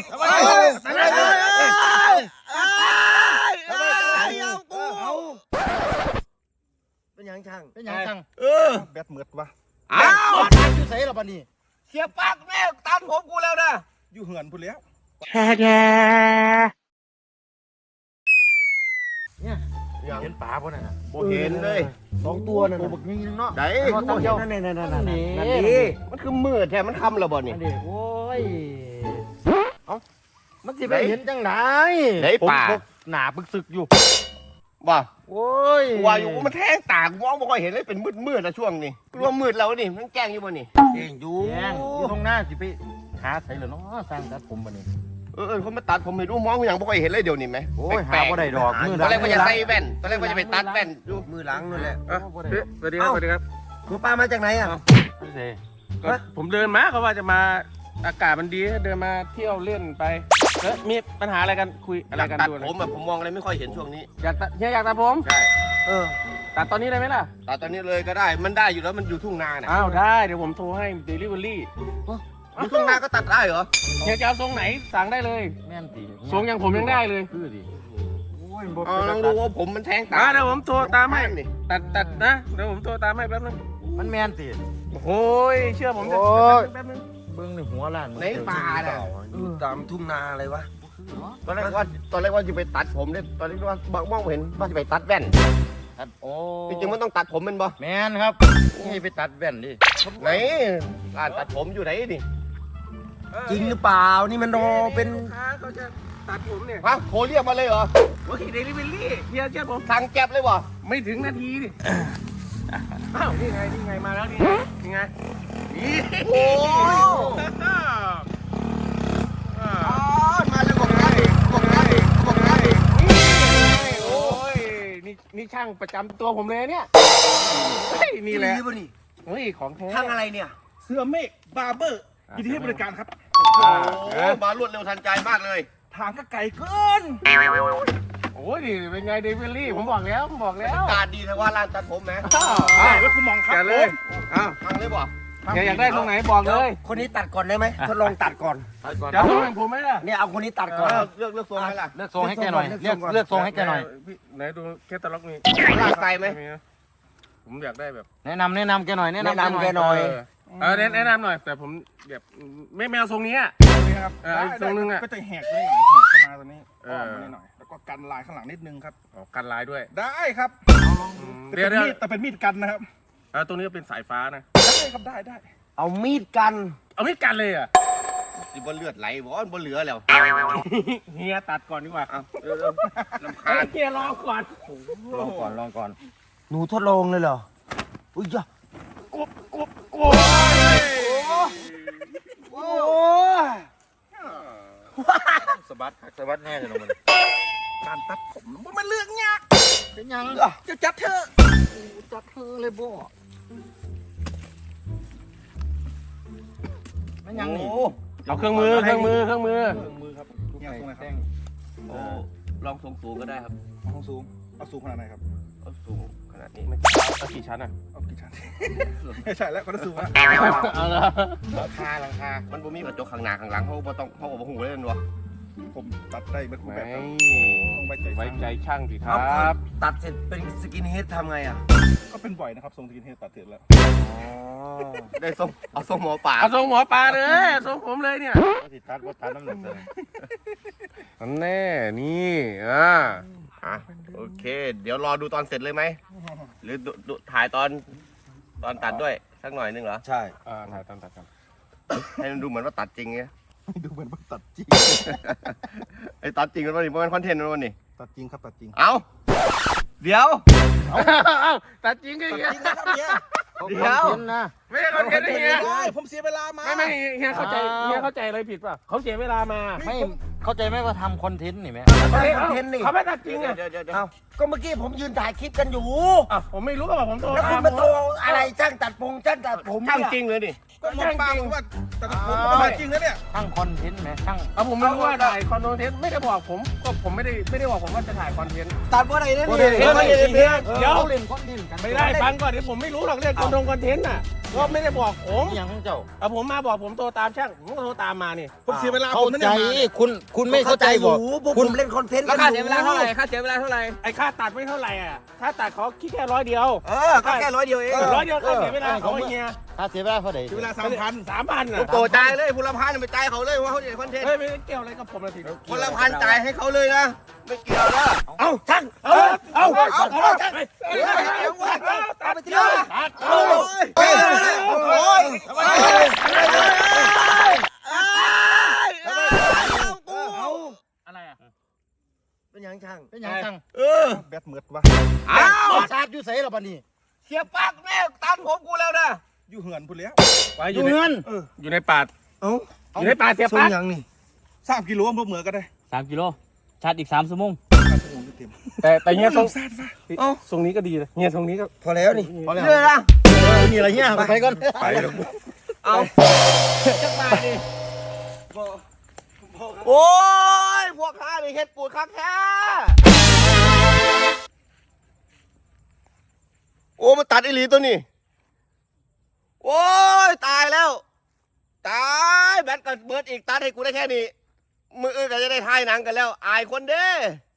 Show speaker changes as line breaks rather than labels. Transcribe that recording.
เป็นยังช่าง
เป็นยังจัง
แบตเหมือดวะ
อ้าวตัดอยู่ใส่ละบัดนี้
เสียปากแม่ตันผมกูแล้วนะ
อยู่เหือนพูดแล้ว
เนี่ยเห็นปลาป่ะน่ะ
โบเห็นเลย2 ตัวนั่น
ตัวบักนี้เนาะ
ไหน
ตัวเดียว
นั่น
นี่
มันคือมืดแท้มันคำระบ่นี่
อันนี้โอ้ยเอ้ามันสิไปเห็นจังไหน
ไหนป่า
ผมหนาปึกซึกอยู่
ว่า
โอ้ย
ว่าอยู่มันแทงตากมองไม่ค่อยเห็นเลยเป็นมืดนะช่วงนี้รวมมืดแล้วนี่มันแกล้งอยู่บ่นี่แกล้งอยู่
แย่งอยู่ตรงหน้าสิไปหาใส่เหรอเนาะสร้างตัดผมบัดนี้
เขามาตัดผมไม่รู้มองอย่างไม่ค่อยเห็นเลยเดี๋ยวนี้ไหม
โอ้ยหาบ่ได้ดอกมือ
ตอนแรกว่าจะ
หลัง
ใส่แว่นตอนแรกว่าจะไปตัดแว่นดู
มือหลังนั่นแหละ
บ่ได้ดอก
สวัสดีครับสวัสดีครับ
คุณป้ามาจากไหนอ่ะ
นี่สิ
ก็ผมเดินมาเขาว่าจะมาอากาศมันดีเดินมาเที่ยวเล่นไปแล้วมีปัญหาอะไรกันคุยอะไรกัน
ตัด
ดูนะ
ผมแบบผมมองอะไรไม่ค่อยเห็นช่วงนี้
อยากตัดเฮียอยากตัดผม
ใช่
ตัดตอนนี้ได้ไหมล่ะ
ตัดตอนนี้เลยก็ได้มันได้อยู่แล้วมันอยู่ทุ่งนาน่ะ
อ้าวได้เดี๋ยวผมโทรให้เดลิเวอรี่
อยู่ทุ่งนาก็ตัดได้เหรอ
เฮียจะเอาทรงไหนสั่งได้เลย
แม่นติ
ทรงอย่างผมยังได้เลย
คือดิโอ้ยบ่
เอาลองดูว่าผมมันแทงตา
เดี๋ยวผมโทรตามให้
นี่
ตัดนะเดี๋ยวผมโทรตามให้แป๊บนึง
มันแม่นติ
โอ้ยเชื่อผมเถอะ
โอ้ย
แป๊บนึง
เบิ่งในหัวล้าน
ในป่าน่ะ
ตามทุ่งนาอะไรวะ
ตอนแรกว่าจะไปตัดผมเนี่ยตอนแรกว่ามองเห็นว่าจะไปตัดแว่น
ตัดโอ้
จริงๆมันต้องตัดผมเป็นบ่
แม่นครับนี่ไปตัดแว่นดิ
ไหนร้านตัดผมอยู่ไหนดิ
จริงหรือเปล่านี่มันรอเป็น
ลูกค้าเขาจะตัดผมเนี่ย
ฮะโทรเรียกมาเลยเหรอ
โอ้ยเดลิเวอรี่เฮียเชื่อผม
สั่งแก๊บเลยบ่
ไม่ถึงนาทีดิอ้าวนี่ไงมาแล้วนี่ไงนี่
โอ้มาเลยบอกงานดิบอกงานดิบอกงานดิ
โอ้ยนี่ช่างประจำตัวผมเลยเนี่ยเฮ้ยนี่แหละ
ป่ะนี่
เฮ้ยของแท้
ทางอะไรเนี่ย
เสื้อเมฆบาร์เบอร์ยินดีให้บริการครับ
โอ้มารวดเร็วทันใจมากเลย
ทางก็ไกลเกิน
โอ้ยนี่เป็นไงเดลิเวอรี่ผมบอกแล้ว
การดีแต่ว่าร้านตัดผมไหม
ใช่แล้วคุณมองครับ
แกเลยอ้าว
ทางเลยบ่
แกอยากได้ตรงไหนบอกเลย
คนนี้ตัดก่อนได้ไหมทดลองตัดก่อน
จะเอาตรงไหนผมไหมล่ะ
เนี่ยเอาคนนี้ตัดก่อน
เลือกทรงให้ล่ะ
เลือกทรงให้แกหน่อยเลือกทรงให้แกหน่อย
พี่ไหนดูแคตตาล็อกนี่
ลากไกลไหม
ผมอยากได้แบบ
แนะนำแกหน่อย
แนะนำแกหน่อย
แนะนำหน่อยแต่ผมแบบไม่แมวทรงนี้อ่ะ
นี่ครับ
อีกทรงนึงอะ
ก็จะแหกได้หน่อยแหกเข้ามาตัวนี้อ้อมมาหน่อยแล้วก็กันลายข้างหลังนิดนึงครับ
กันลายด้วย
ได้ครับ
เดี๋ยว
แต่เป็นมีดกันนะครับ
ตรงนี้เป็นสายฟ้านะ
ได้ครับได้
เอามีดกัน
เอาไม่กันเลยอ่ะ
สิบนเลือดไหลบ่บนเหลือแล้ว
เฮียตัดก่อนดีกว่า
ลำ
เฮ้
คาย ญ
เฮียรอก่อน
ลองก่อน
หนูทดลองเลยเหรออุ้ยจ้ะ
กบ
โอ้ย
สะบัดแน่เลยมัน
การตัดผมมันเลือกยาก
เป็นยัง
จะจัดเถอะ
จัดเธอเลยบ่เป็นยังนี่
เอาเครื่องมือ
มือครับเนี่ยตรงไหนครับ
โอ้ลองทรงสูงก็ได้ครับ
เอาสูงเอาสูงขนาดไหนครับ
เอาสูงขนาดนี้
เอากี่ชั้นอ่ะ
เอากี่ชั้น ไม่ใช่แล้วก็ต้องสูงนะ
เอาละ
หลังคามันบ่มีกระจกข้างหน้าข้างหลังเขาบ่ต้องเขาบ่หูเลยนั่นวะ
ผมตัดได้เป็นรูป
ไม่
แบบครับต้องไว้ใจ
ไว้ใจช่างสิค
เอา
รับ
ตัดเสร็จเป็นสกินเฮดทำไงอ่ะ
ก็เป็นบ่อยนะครับทรงสกินเฮดตัดเสร็จแล้ว
ได้ทรงเอาทรงหมอป่า
เอาทรงหมอปลาเลยทรงผมเลยเนี่ย
สิตัดน้ำหนักเลย
นั่นแน่นี่
อ่ะโอเค เดี๋ยวรอดูตอนเสร็จเลยไหมหรือดูถ่ายตอนตัดด้วยสักหน่อยนึงเหรอ
ใช่
ถ่ายตามตัดกัน
ให้มันดูเหมือนว่าตัดจริงไง
ดูเหมือนว่าตัดจริง
ไอ้ตัดจริงมันวันนี้มันคอนเทนต์มันวันนี้
ตัดจริงครับตัดจริง
เอาเดี๋ยว
ตัดจริงก็เฮีย
เดี๋ยว
นะ
ไม่ใช่คอนเทนต์เฮีย
ผมเสียเวลามา
ไม่เฮียเข้าใจอะไรผิดป่ะเขาเสียเวลามา
ไม่เข้าใจไหมว่าทำคอนเทนต์นี่ไหม
ถ่ายคอนเทนต์นี่
เขาไม่ตัดจริงอ่ะ
เดี๋ยว
เอ้าก็เมื่อกี้ผมยืนถ่ายคลิปกันอยู่
ผมไม่รู้ว่าผมโทร
แล้วคุณมาโทรอะไรจ้างตัดผมจ้างตัดผม
ช่าง
เนี่ย
จริงเลยดิ
ก็มองปากว่าแต่ผมก็มาจริงนะเนี่ย
ช่างคอนเทนต์ไหมช่าง
ผมไม่รู้ว่าถ่ายคอนเทนต์ไม่ได้บอกผมก็ผมไม่ได้บอกผมว่าจะถ่ายคอนเทนต์
ตัดว่าอะไรเนี่ย
เดี๋ยว
เล่นคอนเทนต์กัน
ไม่ได้ฟังก่อนเดี๋ยวผมไม่รู้หรอกเรื่องคอนเทนต์น่ะก็ไม่ได้บอกผม
อย่างของเจ้า
ผมมาบอกผมโทรตามช่างผมก็โทรตามมานี่
ผมเสียเวลา
เข้า
ผมนั่น
ใจ
เนี่ยมาเนี่ย
คุณไม่เข้าใจ
อ
บอก
ยู่พวก
คุ
ผ
ณ
มเล่นคอนเทนต์
แล้ว
กั
ค่าน เสียเวลาเท่าไหร่ค่าเสียเวลาเท่าไหร่
ไอ้ค่าตัดไม่เท่าไหร่อ่ะค่าตัดเขาคิดแค่100เดียว
ก็แค่100 เดียวเอง
100เดียวค่าเสียเวลาเขาไอ้เงี้ย
ถ้าเสียเวลาเท่าไหร่
เสียเวลา3,000
3,000
โตจ่ายเลยพลพันไปจ่ายเขาเลยว่าเขาจะคอนเทนต์
เฮ้ยไม่เกี่ยวอะไรกับผมเลยที
พลพันจ่ายให้เขาเลยนะไม่เกี่ยวนะ
เอาช่างเอาช่างไปตัดไปทีละตัด อะไรอ่ะ
เป็นยังช่าง
เป็นอย่างช่าง
แบตเหมือดวะ
อ้าว
ชาร์จอยู่ใส่หรอปะนี่
เสียปากแม่ตันผมกูแล้วนะ
อยู่เหือนพูดแล้ว
อยู่ในอยู่ในป่า
เอ้า
อยู่ในป่าเสีย
ส่ง
ปาก
ยังนี่
3 กิโลพวกเหมือก็ได้
3 กิโลชาร์จอีก3 ชั่วโมง
3 ชั่วโมงเต็ม
แต่เฮียทรง
ซาดวะ
ทรงนี้ก็ดีเลยเฮียทรงนี้ก็
พอแล้วนี่
พอแล้ว
เรื่องนะ
นี่อะไรเนี่ยไปก่อน
ไปแล้ว
เอาจะมาดิโอ้ยพวกข้านี่เฮ็ดปูดคักแท้โอ้มันตัดอีหลีตัวนี้โอ้ยตายแล้วตายแบตก็เบิดอีกตัดให้กูได้แค่นี้มืออื่นก็จะได้ถ่ายหนังกันแล้วอายคนเด้